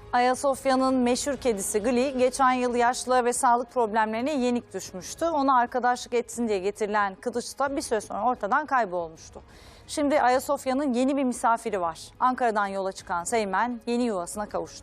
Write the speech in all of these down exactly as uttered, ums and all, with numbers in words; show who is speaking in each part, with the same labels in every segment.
Speaker 1: Ayasofya'nın meşhur kedisi Gli geçen yıl yaşlı ve sağlık problemlerine yenik düşmüştü. Ona arkadaşlık etsin diye getirilen Kılıç da bir süre sonra ortadan kaybolmuştu. Şimdi Ayasofya'nın yeni bir misafiri var. Ankara'dan yola çıkan Seymen yeni yuvasına kavuştu.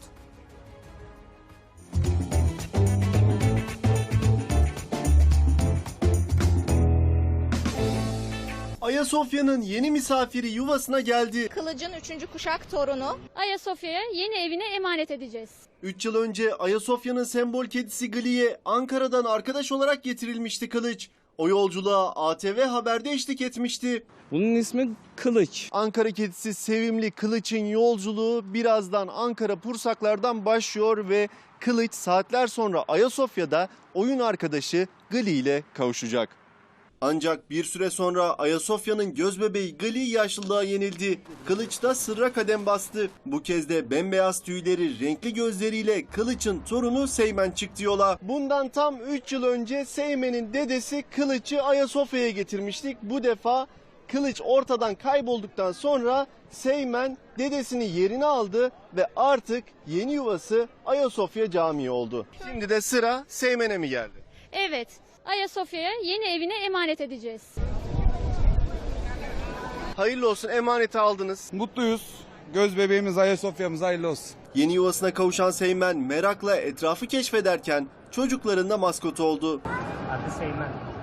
Speaker 2: Ayasofya'nın yeni misafiri yuvasına geldi.
Speaker 3: Kılıç'ın üçüncü kuşak torunu.
Speaker 4: Ayasofya'ya yeni evine emanet edeceğiz.
Speaker 2: üç yıl önce Ayasofya'nın sembol kedisi Gli'ye Ankara'dan arkadaş olarak getirilmişti Kılıç. O yolculuğa A T V Haber'de eşlik etmişti.
Speaker 5: Bunun ismi Kılıç.
Speaker 2: Ankara kedisi sevimli Kılıç'ın yolculuğu birazdan Ankara Pursaklar'dan başlıyor ve Kılıç saatler sonra Ayasofya'da oyun arkadaşı Gli ile kavuşacak. Ancak bir süre sonra Ayasofya'nın gözbebeği Gli yaşlılığa yenildi. Kılıç da sırra kadem bastı. Bu kez de bembeyaz tüyleri, renkli gözleriyle Kılıç'ın torunu Seymen çıktı yola. Bundan tam üç yıl önce Seymen'in dedesi Kılıç'ı Ayasofya'ya getirmiştik. Bu defa Kılıç ortadan kaybolduktan sonra Seymen dedesini yerine aldı ve artık yeni yuvası Ayasofya Camii oldu. Şimdi de sıra Seymen'e mi geldi?
Speaker 4: Evet, Ayasofya'ya yeni evine emanet edeceğiz.
Speaker 2: Hayırlı olsun, emaneti aldınız.
Speaker 5: Mutluyuz. Göz bebeğimiz Ayasofya'mız hayırlı olsun.
Speaker 2: Yeni yuvasına kavuşan Seymen merakla etrafı keşfederken çocukların da maskotu oldu.
Speaker 6: Adı Seymen.